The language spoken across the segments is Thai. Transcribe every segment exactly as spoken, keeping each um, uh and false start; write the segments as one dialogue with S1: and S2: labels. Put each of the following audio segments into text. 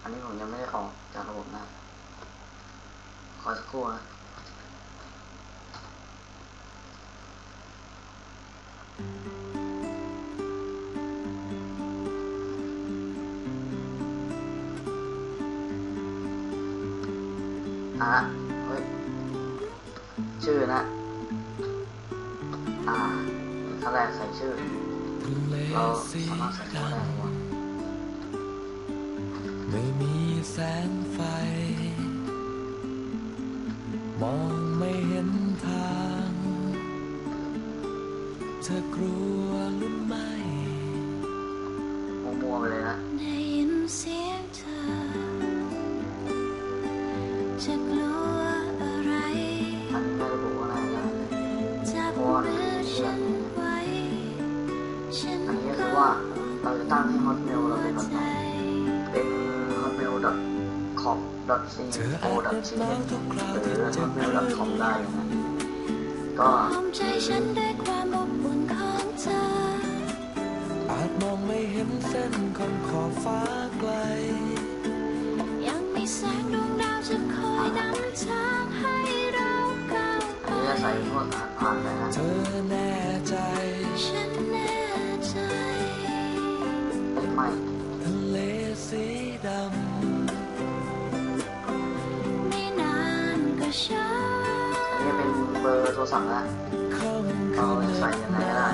S1: นนี้ผมยังไม่ได้ออกจากระบบนะขอสักครู่นะอ่ะเฮ้ยชื่อนะอ่าขั้นแรกใส่ชื่อเราสามารถใส่ชื่อได้หรือเปล่า
S2: ไม่มีแสงไฟมองไม่เห็นทางเธอกลัวหรือไม่
S1: มัวๆไปเลยนะ
S3: ได้ยินเสียงเธอจะกลัวอะไร
S1: อันนี้ไม่ระบุว่าอะไรนะ
S3: จับมือฉันไว้ฉัน
S1: อันนี้ก็คือว่าเราจะตั้งให้ Hotmail เราเป็นแบบไหนเป็น hotmail dot com dot co dot th หรือ hotmail dot com ได้นะก็
S3: ใจฉันด้วยความอบอุ่นของเธอ
S2: อาจมองไม่เห็นเส้นของขอบฟ้าไกล
S3: ยังมีแสงดวงดาวจะคอยนำทางให้เราก้าวไป
S1: อันนี้จะใส่พวกผ่านไปนะ
S2: เธอแน่ใจ
S3: ฉันแน่ใจ
S1: ไม่
S2: ทะเลสีด
S3: ำไม่นานก็ช้า
S1: อันนี้เป็นเบอร์โทรศัพท์นะเราจะใส่ยังไงก็ได้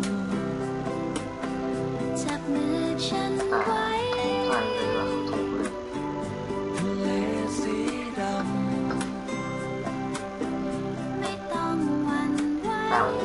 S3: จับมือฉันไว้
S1: ใส่เลยว่าถูกเลย
S2: ทะเลสีด
S3: ำไม่ต้องหวั่นไหว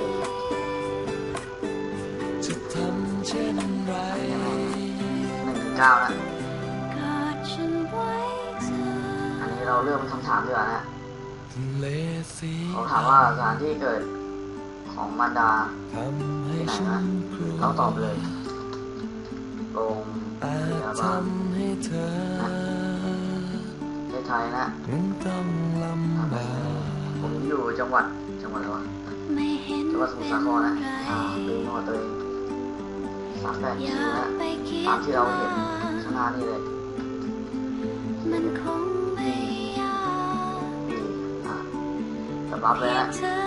S2: จะทำเช่นไร
S1: หนึ่งเก้านะ
S3: กอดฉันไว้เธอ
S1: อันนี้เราเริ่มคำถามดีกว่านะเขาถามว่าสถานที่เกิดของมารดาที่ไหนนะเราตอบเลยโรงพยาบาลประเทศไทยนะผมอยู่จังหวัดจังหวัดอะไรวะจังหวัดสมุทรสาครนะอ่าเป็นจังหวัดตัวเองสามแปดคิวนะตามที่เราเห็นข้างหน้านี่เลย
S3: มันคงไม่ยาก
S1: อ่ะสำรับเลยนะ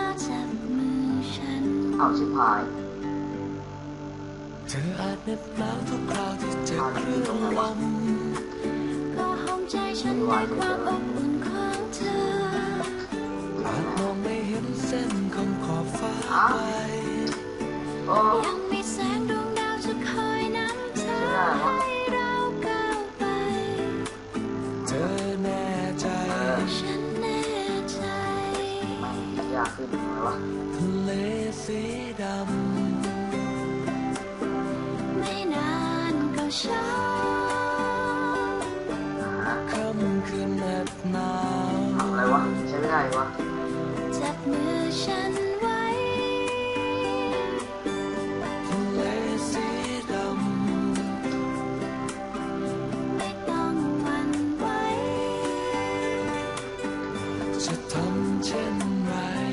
S1: เอาชิบหาย
S2: เธออาจเหน็บหนาวทุกคราวที่เจ็บคลื่นลม
S3: ก็ห้องใจฉันด้วยความอบอุ่นของเธอ
S2: อาจมองไม่เห็นเส้นของขอบฟ้าไกล
S3: ยังมีแสงดวงดาวจะคอยนำทางให้เราก้าวไป
S2: เธอแน่ใจ
S3: ฉันแน่ใจ
S1: ไม่ยากขึ้นเลยวะ
S2: ทะเลสีดำ
S3: ช้า
S2: ค่ำคืนแนบหนาว
S1: ทำอะไรวะใช้ไม่ได้วะ
S3: จับมือฉันไว้
S2: ทะเลสีด
S3: ำไม่ต้องหวั่นไหว
S2: จะทำเช่นไร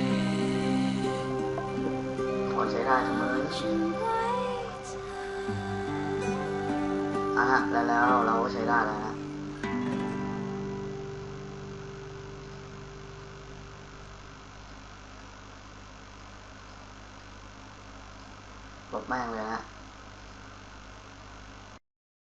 S1: พอใช้ได้เสมออ่ะฮะแล้วแล้วเราก็ใช้ได้แล้วนะ